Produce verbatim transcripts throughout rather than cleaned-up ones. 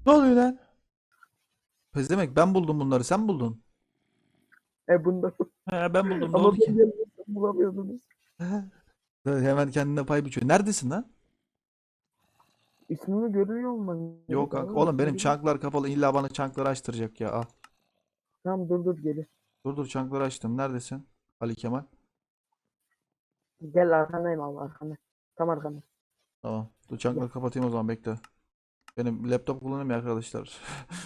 Ne oluyor lan? Pezemek ben buldum bunları sen mi buldun? E bunda. He ben buldum ne Ama oldu ben ki? gelmesem bulamıyordunuz. Hemen kendine pay biçiyor. Neredesin lan? İsmimi görüyor olman Yok gerek kanka. abi. Oğlum İsmi benim görüyor. çanklar kapalı. İlla bana çankları açtıracak ya. Al. Tamam dur dur gelir. Dur dur çankları açtım. Neredesin? Ali Kemal. Gel arkandayım abi arkanda. Tam arkanda. Tamam. Dur Gel. çankları kapatayım o zaman bekle. Benim laptop kullanayım ya arkadaşlar.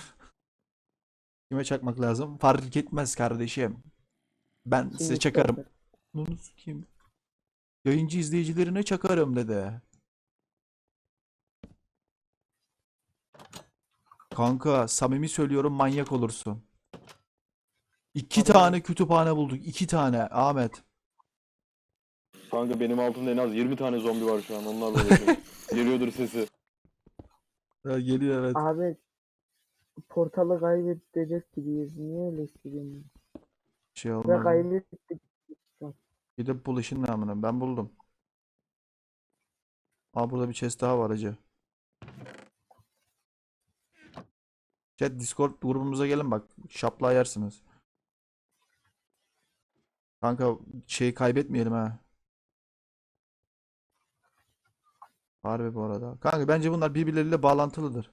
Kime çakmak lazım? Fark etmez kardeşim. Ben Kim size çakarım. isterse. Bunu kim? Yayıncı izleyicilerine çakarım dedi. Kanka samimi söylüyorum manyak olursun. İki Harbi tane mi? kütüphane bulduk. İki tane Ahmet. Kanka benim altımda en az yirmi tane zombi var şu an. Onlarla uğraşıyorum. Geliyordur sesi. Ha, geliyor evet. Abi portalı kaybedecek gibiyiz. Niye öyle hissediyorsun? Şey Ve olmaz mı? kaybettik. Bir de bul işin namına. Ben buldum. Aa burada bir chest daha var acı. Chat Discord grubumuza gelin bak. Şapla yersiniz. Kanka şeyi kaybetmeyelim ha. Harbi bu arada. Kanka bence bunlar birbirleriyle bağlantılıdır.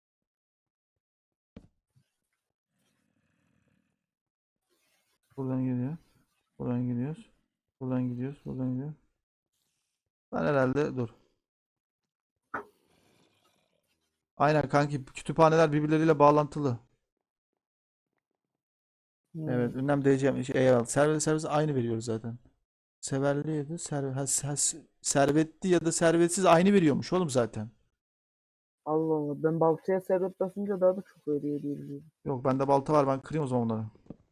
Buradan geliyor. Buradan gidiyoruz. Buradan gidiyoruz. Buradan gidiyoruz. Ben herhalde dur. Aynen kanki kütüphaneler birbirleriyle bağlantılı. Hmm. Evet, ünlem diyeceğim. Şey, eyvallah. Servet servis aynı veriyoruz zaten. Severli ya da servet, ha, ha- servetli ya da servetsiz aynı veriyormuş oğlum zaten. Allah Allah. Ben baltaya servet basınca daha da çok veriyor diye biliyorum. Yok bende balta var ben kırayım o zaman onları.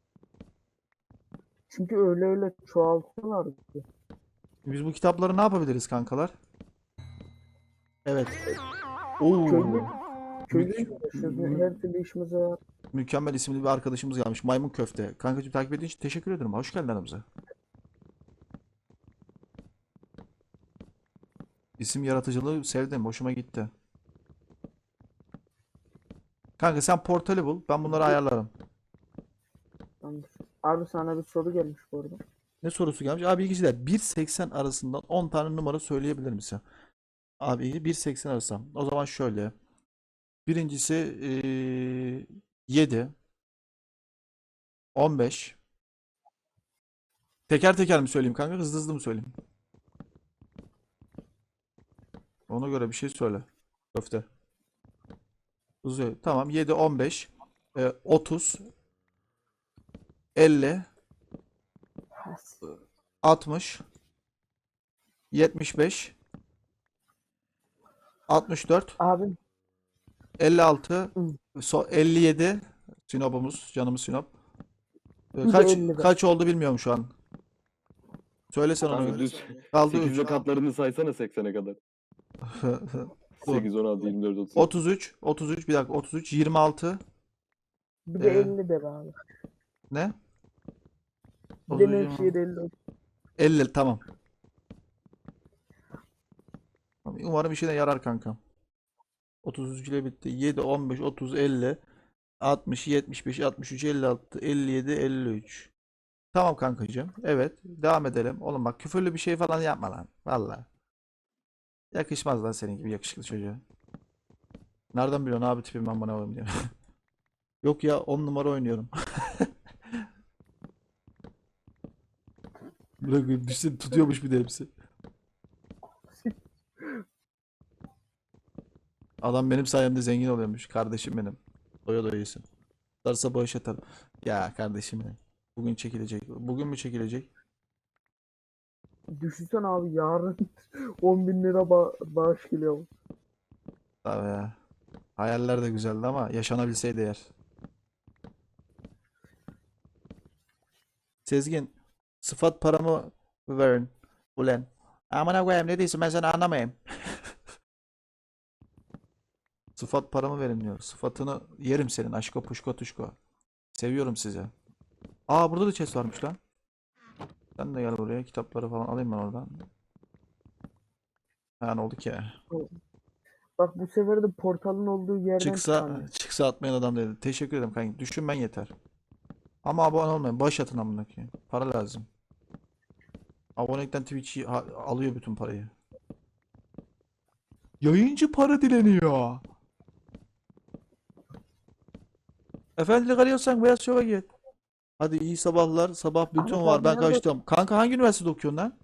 Çünkü öyle öyle çoğaltıyorlar ki. Biz bu kitapları ne yapabiliriz kankalar? Evet. Köylü, Oo. köylüyle Mük uğraşıyoruz. mü- Her türlü işimize var. mükemmel isimli bir arkadaşımız gelmiş. Maymun Köfte. Kankacığım takip ettiğin için teşekkür ederim. Hoş geldin aramıza. İsim yaratıcılığı sevdim. Hoşuma gitti. Kanka sen portali bul. Ben bunları ayarlarım. Tamamdır. Abi sana bir soru gelmiş bu arada. Ne sorusu gelmiş? Abi bilgiciler bir seksen arasından on tane numara söyleyebilir misin? Abi bir seksen arası. O zaman şöyle. Birincisi eee yedi, on beş. Teker teker mi söyleyeyim kanka? Hızlı hızlı mı söyleyeyim? Ona göre bir şey söyle. Köfte. Hızlı. Tamam. yedi, on beş, e, otuz, elli, altmış, yetmiş beş, altmış dört, Abi elli altı, hı, so- elli yedi. Sinop'umuz. Canımız Sinop. E, bir de Kaç elli be. kaç oldu bilmiyorum şu an. Söylesen ona Kanka göre. düz Kaldı üç. sekizle katlarını saysana seksene kadar. Dur. sekiz, on altı, yirmi dört, otuz sekiz. otuz üç, otuz üç bir dakika otuz üç, yirmi altı, Bir de e, elli de be abi. ne? Bir de otuz üç, yirmi altı, Nevşehir elli. elli tamam. Tamam, umarım işine yarar kanka. otuz üç ile bitti. yedi, on beş, otuz, elli, altmış, yetmiş beş, altmış üç, elli altı, elli yedi, elli üç. Tamam kankacığım. Evet. Devam edelim. Oğlum bak küfürlü bir şey falan yapma lan. Valla. Yakışmaz lan senin gibi yakışıklı çocuğa. Nereden biliyorsun abi tipim ben bana koyayım diye. Yok ya on numara oynuyorum. Bırak düşsene tutuyormuş bir de hepsi. Adam benim sayemde zengin oluyormuş. Kardeşim benim. Doya doya yesin. Darsa bağış atarım. Ya kardeşim benim. Bugün çekilecek. Bugün mü çekilecek? Düşünsene abi yarın on bin lira ba bağış geliyor. Tabii ya. Hayaller de güzeldi ama yaşanabilseydi eğer. Sezgin. Sıfat paramı verin. Ulen. Amına koyayım ne diyorsun ben seni anlamayayım. Sıfat paramı verin diyor. Sıfatını yerim senin aşko puşko tuşko. Seviyorum sizi. Aa burada da chest varmış lan. Sen de gel buraya kitapları falan alayım ben oradan. Ha ne oldu ki? Bak bu sefer de portalın olduğu yerden Çıksa çıkamıyor. çıksa atmayan adam dedi. Teşekkür ederim kanka. Düşünmen yeter. Ama abone olmayın. Baş atın amına koyayım. Para lazım. Abonelikten Twitch ha- alıyor bütün parayı. Yayıncı para dileniyor. Efendilik arıyorsan Beyaz Şov'a git. Hadi iyi sabahlar. Sabah bütün Ahmet var. abi Ben nerede? kaçtım. Kanka hangi üniversitede okuyorsun lan?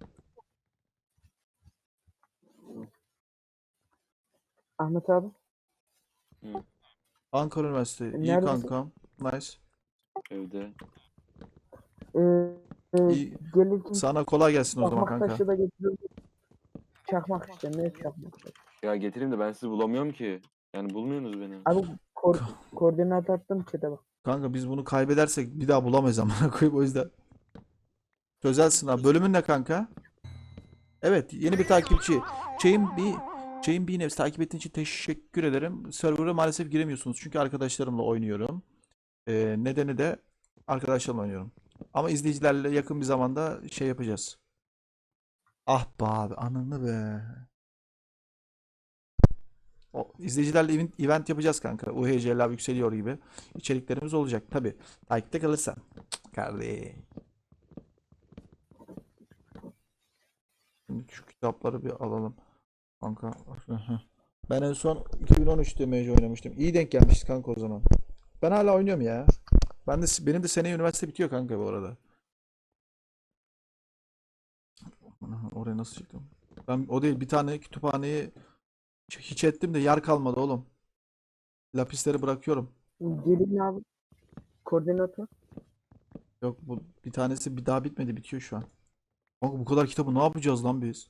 Ahmet abi. Hı, Ankara Üniversitesi. İyi Neredesin? kankam. Nice. evde. Ee, e, İyi. gelirken Sana kolay gelsin o zaman çakmak kanka. taşı da getiriyorum. Çakmak işte ne çakmak taşı. Ya getireyim de ben sizi bulamıyorum ki. Yani bulmuyorsunuz beni. Abi ko koordinat attım chat'e bak. Kanka biz bunu kaybedersek bir daha bulamayız amına koyayım o yüzden. Çözersin abi. Bölümün ne kanka? Evet, yeni bir takipçi. Chain bir Chain bir Nevs takip ettiğin için teşekkür ederim. Server'a maalesef giremiyorsunuz çünkü arkadaşlarımla oynuyorum. Ee, nedeni de arkadaşlarımla oynuyorum. Ama izleyicilerle yakın bir zamanda şey yapacağız. Ah be abi, ananı be. O izleyicilerle event, event yapacağız kanka. U H C Lab yükseliyor gibi içeriklerimiz olacak tabi. Takipte kalırsan. Cık, kardeş. Şimdi şu kitapları bir alalım. Kanka. Ben en son iki bin on üçte M C oynamıştım. İyi denk gelmişiz kanka o zaman. Ben hala oynuyorum ya. Ben de benim de seneye üniversite bitiyor kanka bu arada. Aha, oraya nasıl çıktım? Ben o değil bir tane kütüphaneyi hiç ettim de yer kalmadı oğlum. Lapisleri bırakıyorum. Gelin abi koordinatı. Yok bu bir tanesi bir daha bitmedi, bitiyor şu an. Kanka bu kadar kitabı ne yapacağız lan biz?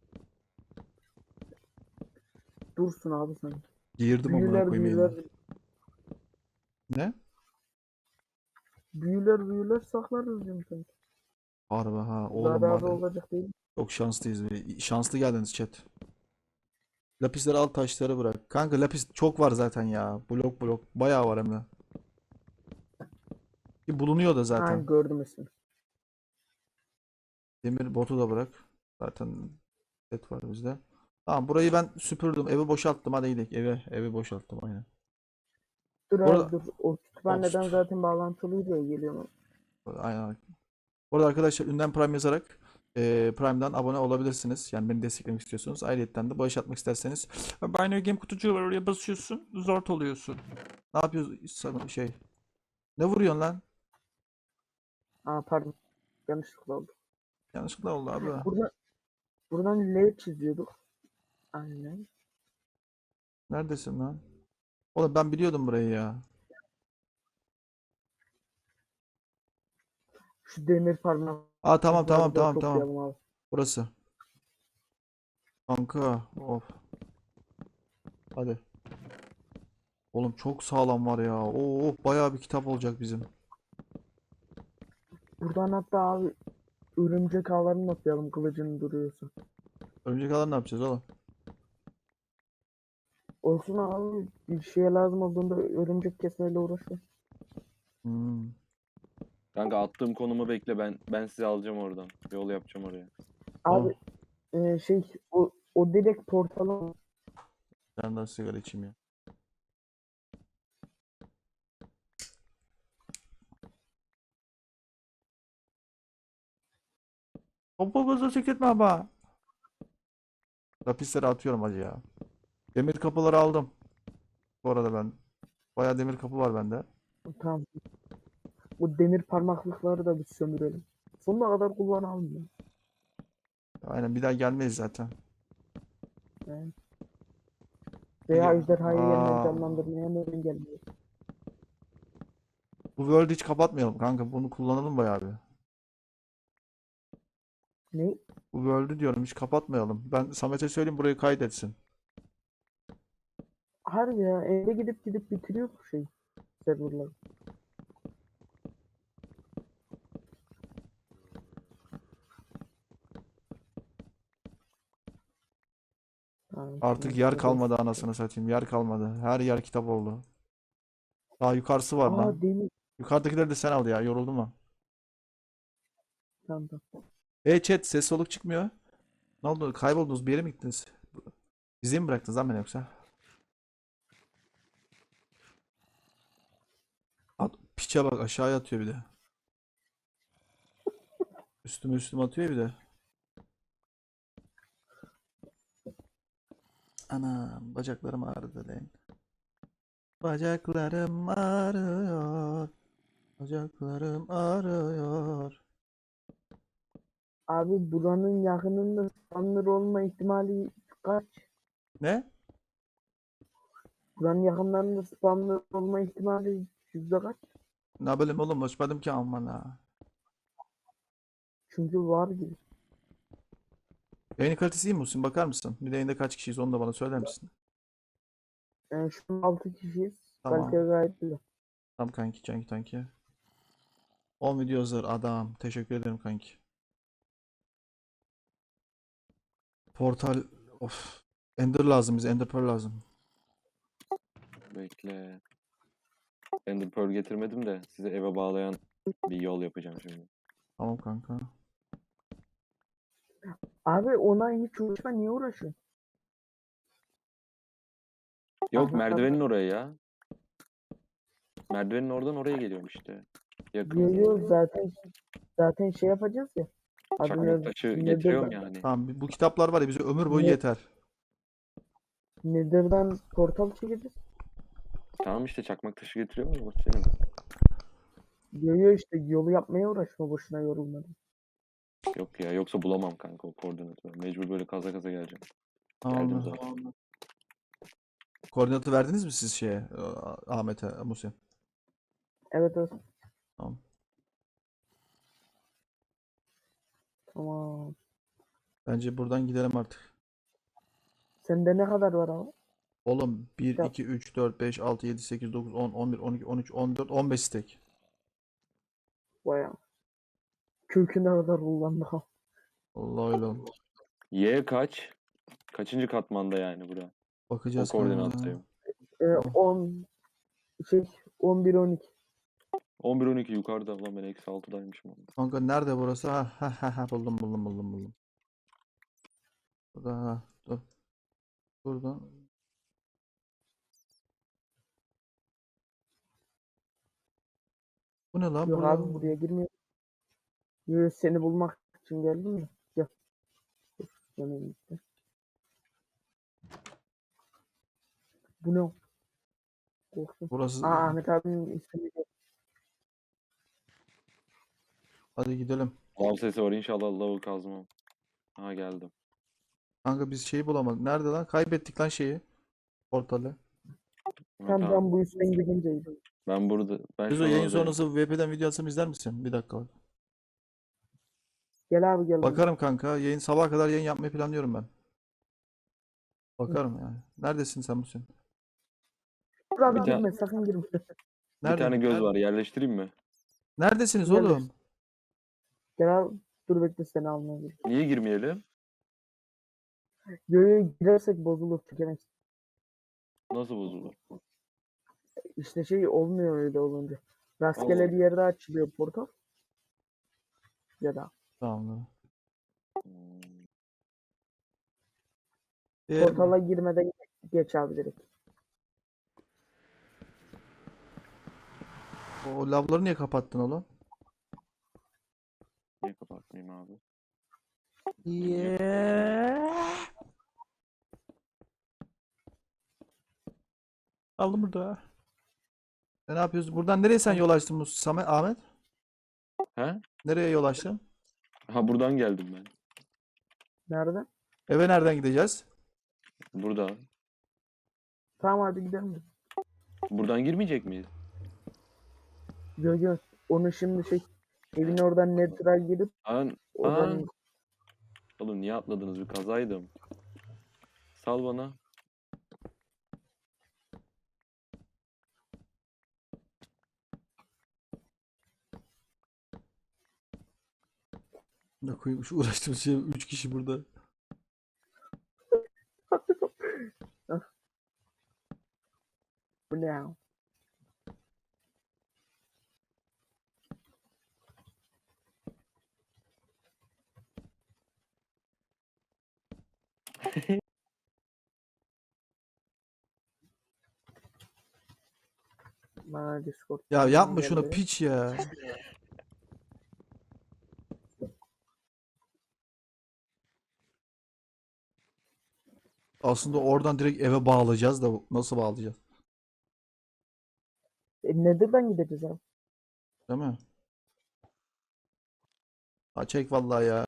Dursun abi sen. Girdim amına Büyüler koyayım büyüler. yayına. Ne? Büyüler büyüler saklarız diyorum sen. Harbi ha oğlum var Zararı ya. olacak değil. Çok şanslıyız. Be. Şanslı geldiniz chat. Lapisleri al, taşları bırak. Kanka lapis çok var zaten ya. Blok blok. Bayağı var hem de. Ki bulunuyor da Ha zaten. gördüm ismini. Demir botu da bırak. Zaten set var bizde. Tamam, burayı ben süpürdüm. Evi boşalttım. Hadi gidelim. Evi, evi boşalttım aynen. Dur Bu abi arada dur. O kütüphaneden Ost. zaten bağlantılıydı ya geliyor. Aynen. Bu arada arkadaşlar ünlem Prime yazarak e, Prime'dan abone olabilirsiniz. Yani beni desteklemek istiyorsunuz. Ayrıyetten de bağış atmak isterseniz Binary Game kutucuğu var, oraya basıyorsun. Zort oluyorsun. Ne yapıyorsun? Sana şey. Ne vuruyorsun lan? Aa pardon. Yanlışlıkla oldu. Yanlışlıkla oldu abi. Burada, buradan L çiziyorduk. Aynen. Neredesin lan? Oğlum ben biliyordum burayı ya. Şu demir parmakları Aa tamam tamam da tamam tamam. toplayalım abi. Burası. Kanka. Of. Hadi. Oğlum çok sağlam var ya. Oo bayağı bir kitap olacak bizim. Buradan hatta abi örümcek ağlarını toplayalım kılıcını duruyorsun. Örümcek alan ne yapacağız oğlum? Olsun abi bir şeye lazım olduğunda örümcek kesmeyle uğraşıyor. Hmm. Kanka attığım konumu bekle, ben ben sizi alacağım oradan. Yol yapacağım oraya. Tamam. Abi e, şey o, o direkt portalı Ben daha sigara içeyim ya. Hoppa gaza sekretme ama. Lapisleri atıyorum hacı ya. Demir kapıları aldım. Bu arada ben. Bayağı demir kapı var bende. tam bu demir parmaklıkları da bir sömürelim. Sonuna kadar kullanalım ya. Aynen, bir daha gelmeyiz zaten. Yani. Peki. Veya ejderhayı yeniden Aa, canlandırmaya neden gelmiyor? bu world'ü hiç kapatmayalım kanka. Bunu kullanalım bayağı bir. Ne? Bu world'ü diyorum hiç kapatmayalım. Ben Samet'e söyleyeyim burayı kaydetsin. Harbi ya eve gidip gidip bitiriyor bu şey serverlar. Ha, Artık tamam, yer şurada kalmadı olsun. anasını satayım. Yer kalmadı. Her yer kitap oldu. Daha yukarısı var Aa lan. demir. Yukarıdakileri de sen al ya. Yoruldum mu? Tamam, tamam. E chat, ses soluk çıkmıyor. Ne oldu? Kayboldunuz, bir yere mi gittiniz? Bizi mi bıraktınız lan beni yoksa? Piçe bak aşağıya atıyor bir de. Üstüme üstüme atıyor bir de. Anam bacaklarım ağrıdı lan. Bacaklarım ağrıyor. Bacaklarım ağrıyor. Abi buranın yakınında spawner olma ihtimali kaç? Ne? Buranın yakınlarında spawner olma ihtimali yüzde kaç? Ne bileyim oğlum açmadım ki aman ha. Çünkü var gibi. Yayın kalitesi iyi mi Muhsin? Bakar mısın? Bir de yayında kaç kişiyiz onu da bana söyler misin? Yani şu an altı kişiyiz. Kalite Tamam. gayet güzel. Tamam kanki kanki kanki. on video hazır adam. Teşekkür ederim kanki. Portal of. Ender lazım bize. Ender Pearl lazım. Bekle. Ender Pearl getirmedim de size eve bağlayan bir yol yapacağım şimdi. Tamam kanka. Abi ona hiç uğraşma, niye uğraşıyorsun? Yok Aha, merdivenin oraya ya. Merdivenin oradan oraya geliyorum işte. Yakın. Yo yo zaten zaten şey yapacağız ya. Adı Çakmak ne? taşı Nedir getiriyorum da- yani. Tamam bu kitaplar var ya bize ömür boyu Ne- yeter. Nether'dan portal çekeceğiz. Tamam işte çakmak taşı getiriyorum ya. bak senin. Yo yo işte yolu yapmaya uğraşma, boşuna yorulmadım. Yok ya yoksa bulamam kanka o koordinatı. Mecbur böyle kaza kaza geleceğim. Geldim Tamamdır. zaten. Koordinatı verdiniz mi siz şeye? A- Ahmet'e, Muhsin? Evet evet. Tamam. Tamam. Bence buradan gidelim artık. Sende ne kadar var abi? Oğlum bir, Kitap. iki, üç, dört, beş, altı, yedi, sekiz, dokuz, on, on bir, on iki, on üç, on dört, on beş stek. Bayağı. Köküne kadar kullandık ha. Allah öyle oğlum. Y kaç? Kaçıncı katmanda yani bura? O Bakacağız kanka. koordinattayım. Ee, Oh. on şey on bir on iki. on bir on iki yukarıda. Ulan ben eksi altıdaymışım. Kanka nerede burası? Ha ha ha ha buldum buldum buldum buldum. Burada ha dur. Burada. Bu ne lan? Yok Burada. abi buraya girmiyor. Yo, seni bulmak için geldim ya. Gel. Dur, yanına gitti. Bu ne? Korktum. Burası. Aa, Ahmet abinin ismi. Hadi gidelim. Lav sesi var inşallah lavı kazmam. Ha geldim. Kanka biz şeyi bulamadık. Nerede lan? Kaybettik lan şeyi. Portalı. Ha, Tam tamam. ben bu üstten gidince. Ben burada. Ben Biz şu o an yayın oradayım. sonrası V P'den video atsam izler misin? Bir dakika bak. Gel abi gel. Bakarım kanka. Yayın sabaha kadar yayın yapmayı planlıyorum ben. Bakarım yani. Neredesin sen Muhsin? Dur abi Bir ta- girme, sakın girme. Bir Nerede? tane göz Nerede? var yerleştireyim mi? Neredesiniz Gel de- oğlum? Gel abi. Dur bekle, seni almaya gel. Niye girmeyelim? Yo yo, girersek bozulur, çekemeyiz. Nasıl bozulur? İşte şey olmuyor öyle olunca. Rastgele Allah. bir yerde açılıyor portal. Ya da Tamam. Hmm. Eğer portala girmeden geç abi direkt. o lavları niye kapattın oğlum? Niye kapatmayayım abi? Yeah. Aldım burada. E, ne yapıyoruz? Buradan nereye sen yol açtın Mus Samet Ahmet? He? Nereye yol açtın? Ha buradan geldim ben. Nerede? Eve nereden gideceğiz? Burada. Tamam hadi gidelim. Buradan girmeyecek miyiz? Yo yo. Onu şimdi şey evin oradan Nether'a girip An oradan Aa. Oğlum niye atladınız? Bir kazaydım. Sal bana. Ne koyayım şu uğraştığımız şey üç kişi burada. bu ne ya? Bana Discord Ya yapma şunu geldi. piç ya. Aslında oradan direkt eve bağlayacağız da nasıl bağlayacağız? E, Nether'dan gideceğiz abi. Değil mi? Ha çek vallahi ya.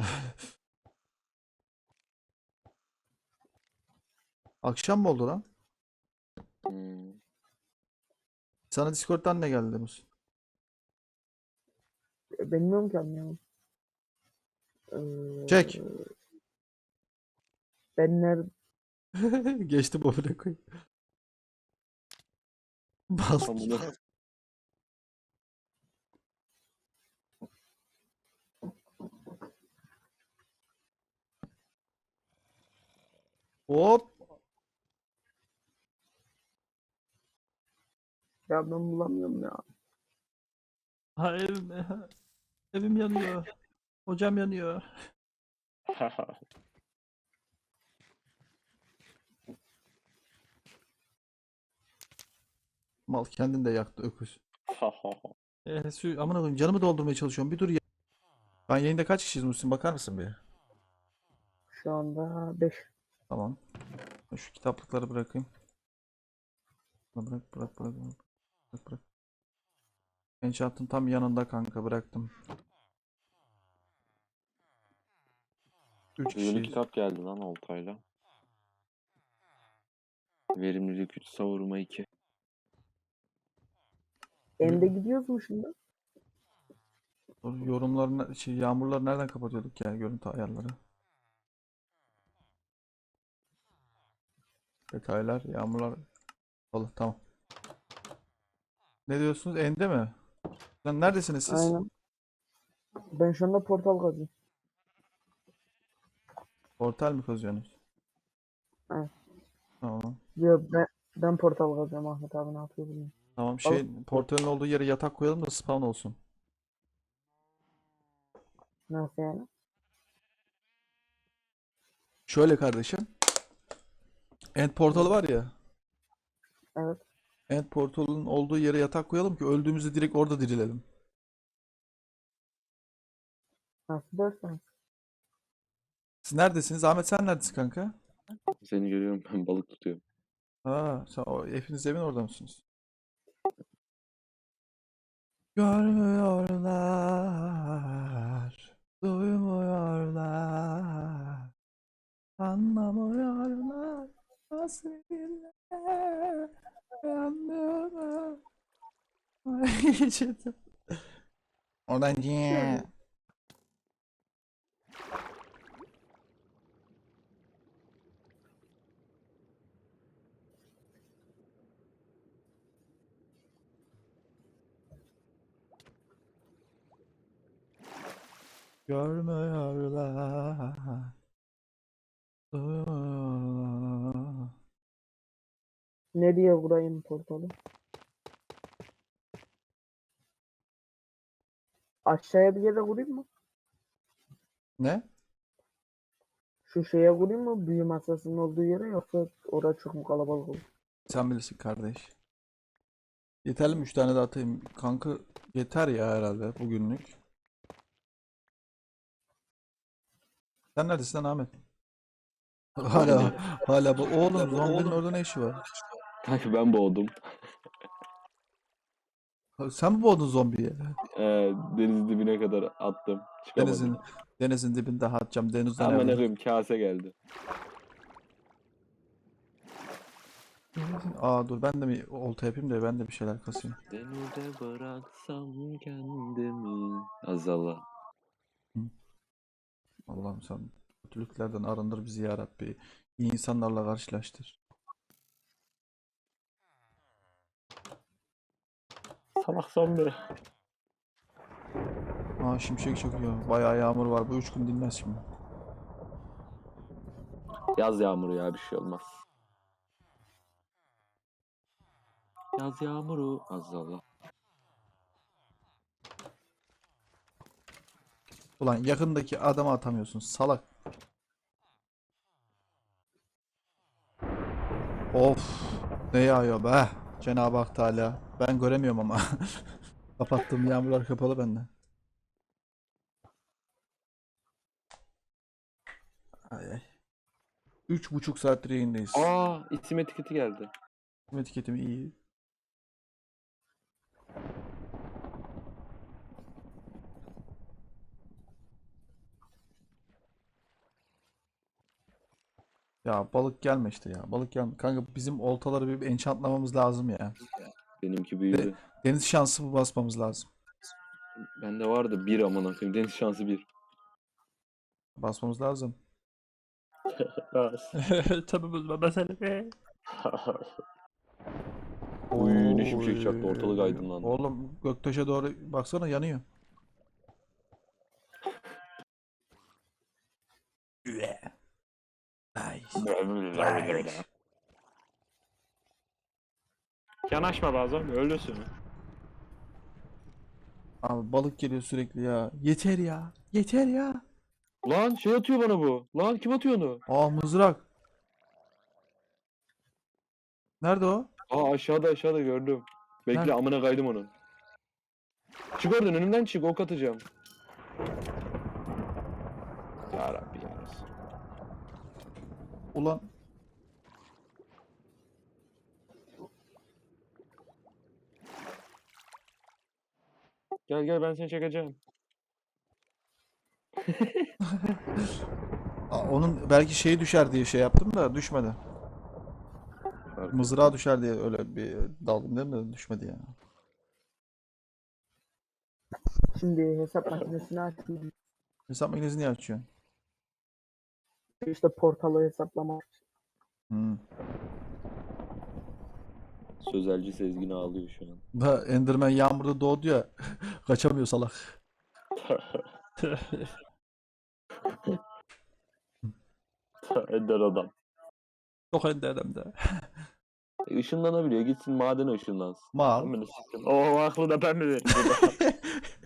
Akşam mı oldu lan? Hmm. Sana Discord'dan ne geldi Mus? E, bilmiyorum ki anlayamam. Ee, Çek. ben nerede? Geçti bu bile koy. Bas. Tam bunu Hop. Ya ben bulamıyorum ya. Ha evim, evim yanıyor. Hocam yanıyor. Mal kendin de yaktı öküz. Eee su amına koyayım canımı doldurmaya çalışıyorum. Bir dur ya. Ben yayında kaç kişiyiz Muhsin bakar mısın bir? Şu anda beş. Tamam. Ben şu kitaplıkları bırakayım. Bırak bırak bırak bırak. Bırak bırak. Enchant'ın tam yanında kanka bıraktım. Üç Yeni kişiyiz. kitap geldi lan Oltay'la. Verimlilik üç, savurma iki. Ende gidiyoruz mu şimdi? Yorumlarını şey yağmurları nereden kapatıyorduk ya görüntü ayarları. Detaylar yağmurlar. Allah tamam. Ne diyorsunuz? Ende mi? Lan neredesiniz siz? Aynen. Ben şu anda portal kazıyorum. Portal mi kazıyorsunuz? Evet. Tamam. Yo, ben, ben portal kazıyorum. Ahmet abi ne yapıyor bilmiyorum. Tamam şey portalın olduğu yere yatak koyalım da spawn olsun. Nasıl yani? Şöyle kardeşim. End portalı var ya. Evet. End portalın olduğu yere yatak koyalım ki öldüğümüzde direkt orada dirilelim. Nasıl dersen. Siz neredesiniz? Ahmet sen neredesin kanka? Seni görüyorum, ben balık tutuyorum. Ha, sen o hepiniz evin orada mısınız? Görmüyorlar, duymuyorlar, anlamıyorlar, hasretinle yanıyorum. Ay, geçirdim. Oradan ciii. Görmüyorlar, duymuyorlar. Nereye kurayım portalı? Aşağıya bir yere kurayım mı? Ne? Şu şeye kurayım mı? Büyü masasının olduğu yere, yoksa orada çok mu kalabalık olur? Sen bilirsin kardeş. Yeterli mi? Üç tane daha atayım. Kanka yeter ya herhalde bugünlük. Sen neredesin lan Ahmet? Hala hala bu oğlum zombinin orada ne işi var? Kanka ben boğdum. Sen mi boğdun zombiyi? Ee, denizin dibine kadar attım. Çıkamadım. Denizin denizin dibinde atacağım. Denizde Ama ne nerede? koyayım, kase geldi. Aa dur ben de mi olta yapayım da ben de bir şeyler kasayım. Denize bıraksam kendimi. Azala. Allah'ım sen kötülüklerden arındır bizi ya Rabbi. İyi insanlarla karşılaştır. Salak zombi. Aa şimşek çakıyor. Bayağı yağmur var. Bu üç gün dinmez şimdi. Yaz yağmuru ya, bir şey olmaz. Yaz yağmuru azala. Ulan yakındaki adamı atamıyorsun salak. Of ne yağıyor be Cenab-ı Hak Teala. Ben göremiyorum ama. Kapattığım yağmurlar kapalı bende. Ay ay. Üç buçuk saattir yayındayız. Aa, isim etiketi geldi. Etiketimi iyi. Ya balık gelme işte ya. Balık gelme. Kanka bizim oltaları bir enchantlamamız lazım ya. Benimki büyüdü. Deniz şansı bu basmamız lazım. Bende vardı bir amına koyayım. Deniz şansı bir. Basmamız lazım. Tabii mesele. Oy ne şimşek çaktı. Oy. Ortalık aydınlandı. Oğlum göktaşa doğru baksana yanıyor. Üe. Nice. Yanaşma bazen ölürsün. Abi balık geliyor sürekli ya. Yeter ya. Yeter ya. Lan şey atıyor bana bu. Lan kim atıyor onu? Aa mızrak. Nerede o? Aa aşağıda aşağıda gördüm. Bekle Nerede? amına kaydım onu. Çık oradan önümden çık ok atacağım. Ya Rabbi ya Resul. Ulan. Gel gel ben seni çekeceğim. Aa, onun belki şeyi düşer diye şey yaptım da düşmedi. Mızrağı düşer diye öyle bir daldım değil mi? Düşmedi ya. Şimdi hesap makinesini açayım. Hesap makinesini niye açıyorsun? İşte portalı hesaplamak. Hmm. Sözelci Sezgin ağlıyor şu an. Da Enderman yağmurda doğdu ya. Kaçamıyor salak. Ender adam. Çok ender hem de. E, Işınlanabiliyor. Gitsin madene ışınlansın. Mal. Amına sikeyim. O aklı da ben mi vereyim burada?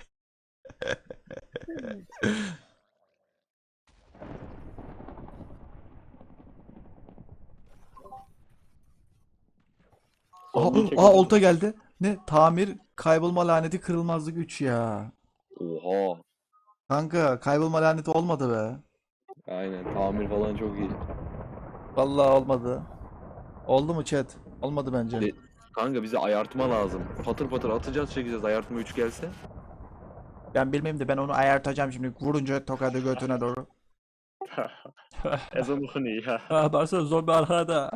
Aha, Son bir çek aha hadi. olta geldi. Ne? Tamir, kaybolma laneti, kırılmazlık üç ya. Oha. Kanka kaybolma laneti olmadı be. Aynen tamir falan çok iyi. Vallahi olmadı. Oldu mu chat? Olmadı bence. De- Kanka bize ayartma lazım. Patır patır atacağız çekeceğiz ayartma üç gelse. Ben bilmem de ben onu ayartacağım şimdi. Vurunca tokadı götüne doğru. Ezan okunuyor ya. Ha baksana zombi arkada.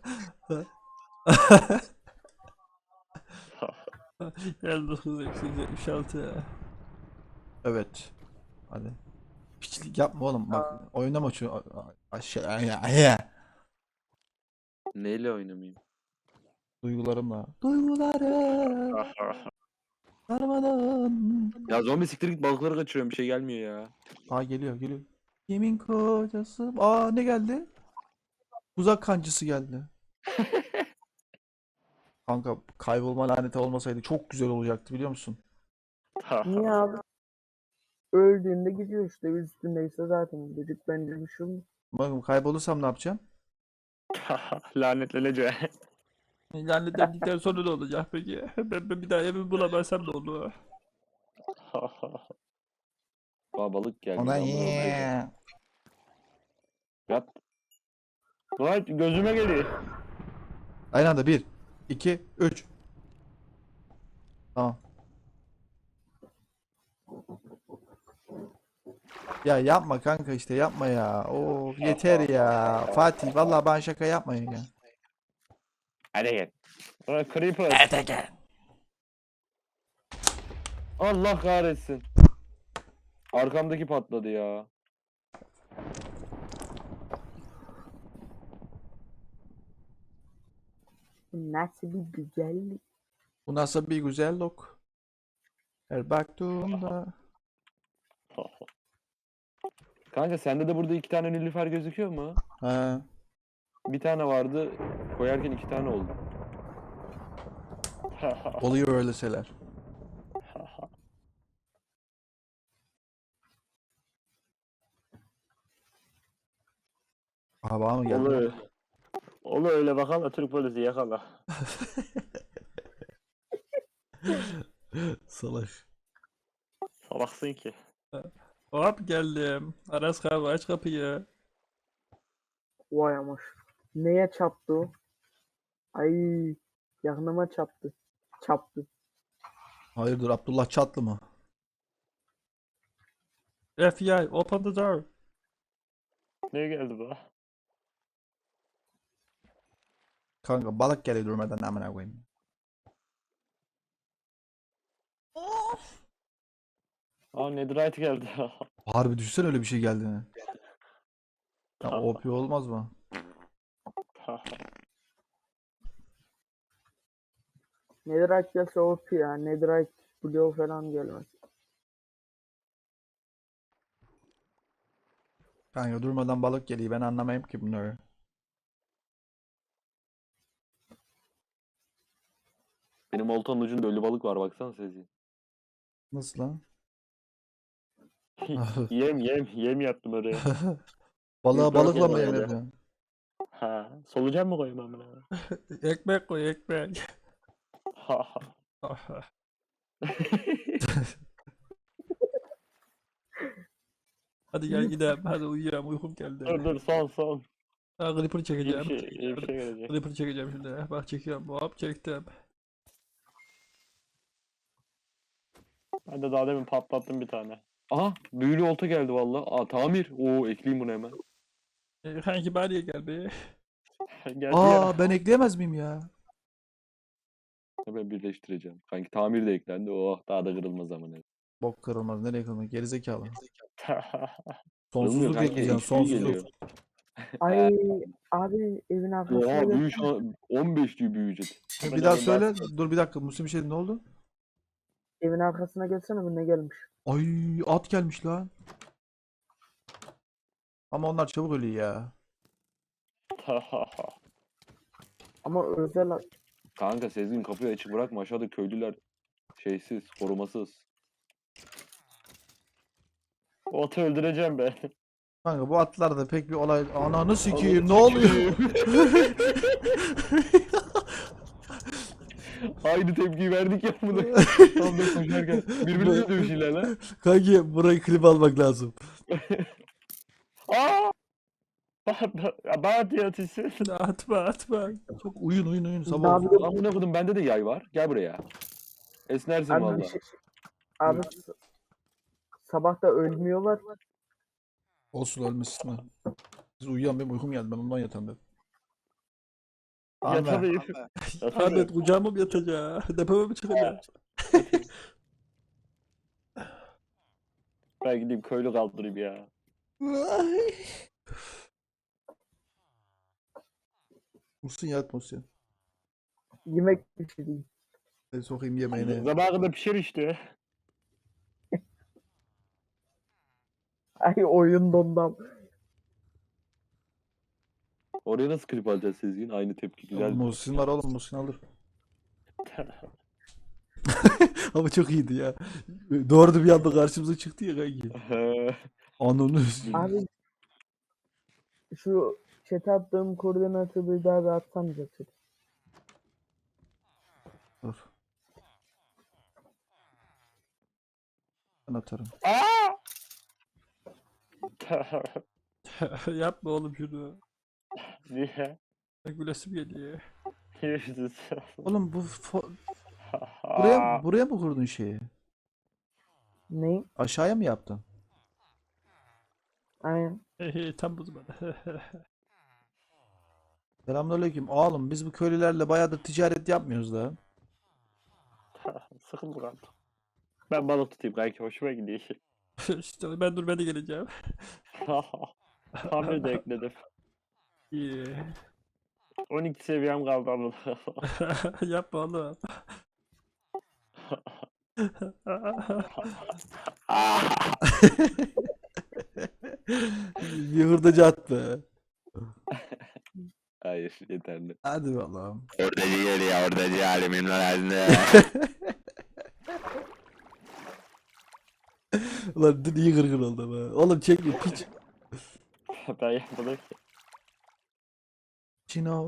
elli dokuz eksi yetmiş altı. Evet. Hadi. Piçlik yapma oğlum bak. Oynama şu aşağı. Neyle oynamayayım? Duygularımla. Duygularım. Darmadan. Ya zombi siktir git balıkları kaçırıyorum bir şey gelmiyor ya. Aa geliyor geliyor. Yemin kocası. Aa ne geldi? Uzak kancısı geldi. Kanka kaybolma laneti olmasaydı çok güzel olacaktı biliyor musun? Niye abi? Öldüğünde gidiyor işte üstündeyse zaten dedik bence bir şey olmaz. Bakın kaybolursam ne yapacağım? Lanetleneceğim. Lanetlendikten sonra ne olacak peki? Ben, ben bir daha evimi bulamazsam ne olur? Aa balık geldi. Ona amına koyayım. Yat. Lan gözüme geliyor. Aynı anda bir, iki, üç. Tamam. Ya yapma kanka işte yapma ya. Oo yeter ya. Fatih vallahi bana şaka yapmayın ya. Hadi gel. Ulan Creeper. Allah kahretsin. Arkamdaki patladı ya. Bu nasıl bir güzellik. Bu nasıl bir güzellik. Her baktığımda. Kanka sende de burada iki tane nilüfer gözüküyor mu? He. Bir tane vardı. Koyarken iki tane oldu. Oluyor öyle şeyler. Aha bana mı geldi? Olur. Olur öyle bakalım Türk polisi yakala. Salak. Salaksın ki. Hop geldim. Aras abi aç kapıyı. Vay amaş. Neye çarptı o? Ay yanıma çarptı. Çarptı. Hayırdır Abdullah Çatlı mı? F B I open the door. Ne geldi bu? Kanka balık geliyor durmadan amına koyayım. Aa Netherite geldi. Harbi düşünsene öyle bir şey geldiğini. Ya O P olmaz mı? Netherite gelse O P ya. Netherite Blue falan gelmez. Kanka durmadan balık geliyor ben anlamayayım ki bunları. Benim oltanın ucunda ölü balık var baksana Sezi. Nasıl lan? Yem yem yem yaptım oraya. Balığa Yok, balıkla yok, mı yem öyle. yapıyorsun? Ha, solucan mı koyayım amına? Ekmek koy ekmek. Hadi gel gidelim. Hadi uyuyalım. Uykum geldi. Dur dur son son. Ha, Clipper İyi bir çekeceğim. şey, iyi bir şey gelecek. Clipper çekeceğim şimdi. Bak çekiyorum. Hop çektim. Ben de daha demin patlattım bir tane. Aha büyülü olta geldi valla. Aa tamir. Oo ekleyeyim bunu hemen. E, kanki bariye gel be. Geldi Aa ya. ben ekleyemez miyim ya? Hemen birleştireceğim. Kanki tamir de eklendi. Oh daha da kırılmaz ama ne. Bok kırılmaz nereye kırılmaz gerizekalı. Kırılmıyor Sonsuzluk kanki. ekleyeceksin X P sonsuzluk. geliyor. Ay abi evin arkasına Oha büyü gelsene. şu an on beş diyor büyüyecek. Bir daha söyle. Dur bir dakika Müslüm bir şey ne oldu? Evin arkasına gelsene bu ne gelmiş. Ay at gelmiş lan. Ama onlar çabuk ölüyor ya. Ama özel Kanka Sezgin kapıyı açık bırakma aşağıda köylüler şeysiz, korumasız. Ot'u öldüreceğim ben. Kanka bu atlarda pek bir olay... Ananı sikeyim ne oluyor? Aynı tepkiyi verdik ya bunu. Tam da koşarken. Birbirine dövüşürler lan. Kanki burayı klip almak lazım. Aaa! Bana diyor ateşi. Atma atma. Çok uyun uyun uyun Ne sabah olsun. yapıyor? Amına kodum bende de yay var. Gel buraya. Esnersin Abi, valla. bir şey, abi s- sabah da ölmüyorlar. Olsun ölmesin mi? Siz uyuyan benim uykum geldi ben ondan yatan dedim. Ahmet. Yatamayayım. Ahmet kucağıma mı yatacak? Depeme mi çıkacak? Ben gideyim köylü kaldırayım ya. Musun yat Musun. Yemek pişireyim. Ben sokayım yemeğine. Sabaha kadar pişir işte. Ay oyun dondam. Oraya nasıl klip alacağız Sezgin? Aynı tepki güzel. Musin var oğlum Musin alır. Ama çok iyiydi ya. Doğru da bir anda karşımıza çıktı ya kanki. Ananı Abi şu chat'e attığım koordinatı bir daha bir atsam chat'e. Dur. Ben atarım. Yapma oğlum şunu. Niye? Bak gülesim geliyor. Yüzsüz. Oğlum bu fo- buraya buraya mı kurdun şeyi? Ne? Aşağıya mı yaptın? Aynen. Hey hey tam bozma. Selamünaleyküm. Oğlum biz bu köylülerle bayağıdır ticaret yapmıyoruz da. Sıkıldı kaldım. Ben balık tutayım kanki hoşuma gidiyor. İşte ben dur ben de geleceğim. Hamle de ekledim. İyi. on iki seviyem kaldı ama. Yapma oğlum. Bir hurdacı at be. Hayır yeterli. Hadi bakalım. Oradacı geliyor oradacı alimin lazında. Ulan dün iyi gırgır oldu be. Oğlum çekme piç. Ben yapmadım ki. Çino.